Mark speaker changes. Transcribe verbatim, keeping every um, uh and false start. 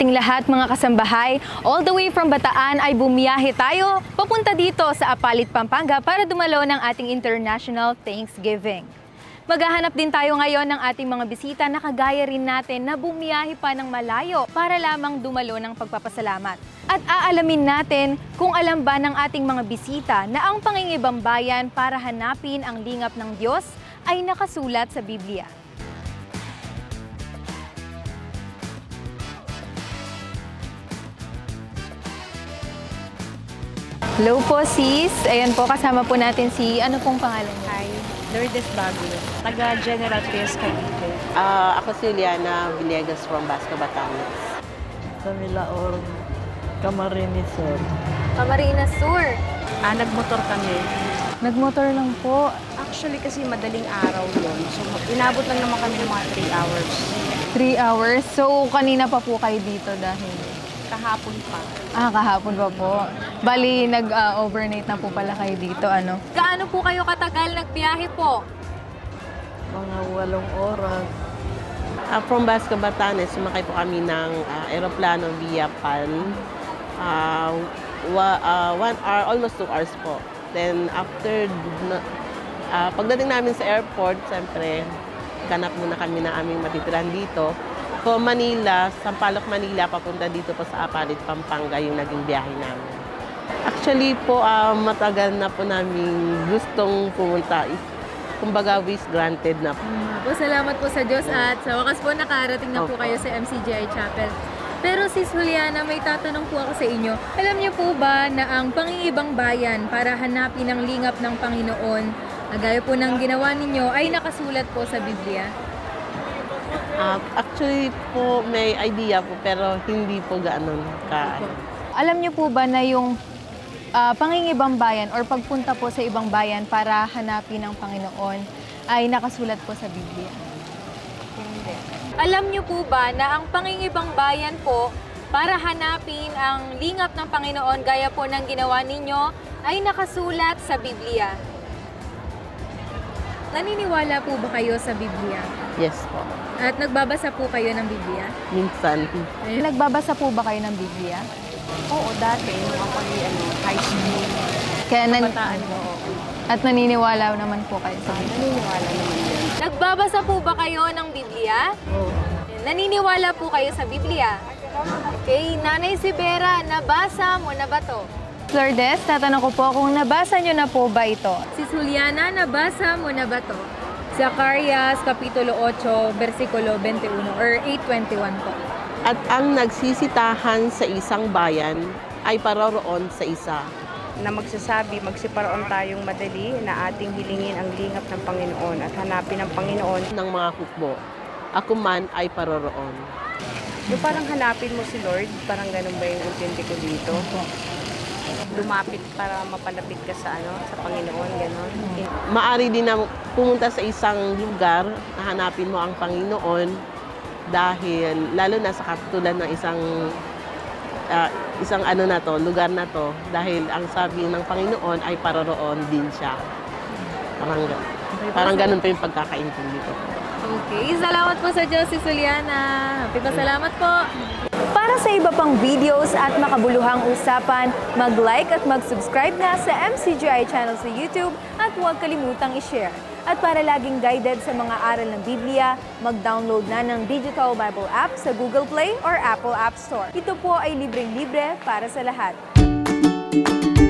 Speaker 1: ating lahat mga kasambahay. All the way from Bataan ay bumiyahe tayo papunta dito sa Apalit, Pampanga para dumalo ng ating International Thanksgiving. Maghahanap din tayo ngayon ng ating mga bisita na kagaya rin natin na bumiyahe pa ng malayo para lamang dumalo ng pagpapasalamat. At aalamin natin kung alam ba ng ating mga bisita na ang pangingibang bayan para hanapin ang lingap ng Diyos ay nakasulat sa Biblia. Hello po sis, ayan po kasama po natin si, ano pong pangalan niyo?
Speaker 2: Hi, Lourdes Baguio, taga General Trias, Cavite.
Speaker 3: Ah, ako si Liana Villegas from Basco, Batangas.
Speaker 4: Sa Milaor, Camarines Sur.
Speaker 1: Camarines Sur.
Speaker 2: Ah, nagmotor kami.
Speaker 1: Nagmotor lang po.
Speaker 2: Actually kasi madaling araw yun. So inabot lang naman kami ng mga three hours.
Speaker 1: Three hours. So kanina pa po kayo dito dahil?
Speaker 2: Kahapon pa.
Speaker 1: Ah, kahapon pa po. Bali, nag-overnight na po pala kayo dito, ano? Gaano po kayo katagal nagbiyahe po?
Speaker 4: Mga walong oras.
Speaker 3: Ah, from Basco, Batanes, sumakay po kami ng ah, aeroplano via P A L. Ah, wa- ah, one hour, almost two hours po. Then after, na- ah, pagdating namin sa airport, siyempre, ganap muna kami na aming matitiran dito. From Manila, Sampaloc, Manila, papunta dito po sa Apalit, Pampanga, yung naging biyahe namin. Actually po, ah, matagal na po namin gustong pumunta. Kumbaga, wish granted na po.
Speaker 1: Po, salamat po sa Diyos at sa wakas po nakarating na po
Speaker 3: Opo.
Speaker 1: kayo sa M C G I Chapel. Pero Sis Juliana, may tatanong po ako sa inyo. Alam niyo po ba na ang pangingibang bayan para hanapin ang lingap ng Panginoon, na gaya po ng ginawa ninyo, ay nakasulat po sa Biblia?
Speaker 3: Ah, actually po, may idea po, pero hindi po gano'n ka.
Speaker 1: Alam niyo po ba na yung ah, pangingibang bayan or pagpunta po sa ibang bayan para hanapin ang Panginoon ay nakasulat po sa Biblia? Hindi. Alam niyo po ba na ang pangingibang bayan po para hanapin ang lingap ng Panginoon gaya po ng ginawa ninyo ay nakasulat sa Biblia? Naniniwala po ba kayo sa Biblia?
Speaker 3: Yes po.
Speaker 1: At nagbabasa po kayo ng Biblia?
Speaker 3: Minsan.
Speaker 1: Nagbabasa po ba kayo ng Biblia?
Speaker 2: Oo, dati, nung ako ay ano, high school.
Speaker 1: Kaya nan-
Speaker 2: Kabataan ko, oo.
Speaker 1: At naniniwala naman po kayo sa
Speaker 2: Ah,
Speaker 1: Biblia?
Speaker 2: naniniwala naman yan.
Speaker 1: Nagbabasa po ba kayo ng Biblia?
Speaker 4: Oo.
Speaker 1: Naniniwala po kayo sa Biblia? Okay, Nanay Sibera, nabasa mo na ba to? Lourdes, tatanong ko po kung nabasa nyo na po ba ito? Si Juliana, nabasa mo na ba to? Zacarias, Kapitulo eight, versikulo twenty-one or eight twenty-one po.
Speaker 3: At ang nagsisitahan sa isang bayan ay paroroon sa isa.
Speaker 2: Na magsasabi, magsiparoon tayong madali na ating hilingin ang lingap ng Panginoon at hanapin ang Panginoon.
Speaker 3: Ng mga hukbo, ako man ay paroroon.
Speaker 2: Yung parang hanapin mo si Lord, parang ganun ba yung intindi ko dito? Lumapit para mapalapit ka sa ano, sa Panginoon, ganun.
Speaker 3: Maari din na pumunta sa isang lugar na hanapin mo ang Panginoon dahil lalo na sa katulad ng isang ah, isang ano na to, lugar na to, dahil ang sabi ng Panginoon ay paroroon din siya. Parang, gan- parang ganun pa yung pagkakaintindi ko.
Speaker 1: Okay, salamat po sa Diyos, si Juliana. Happy pa, salamat po. Para sa iba pang videos at makabuluhang usapan, mag-like at mag-subscribe na sa M C G I channel sa YouTube at huwag kalimutang i-share. At para laging guided sa mga aral ng Biblia, mag-download na ng Digital Bible app sa Google Play or Apple App Store. Ito po ay libreng-libre para sa lahat.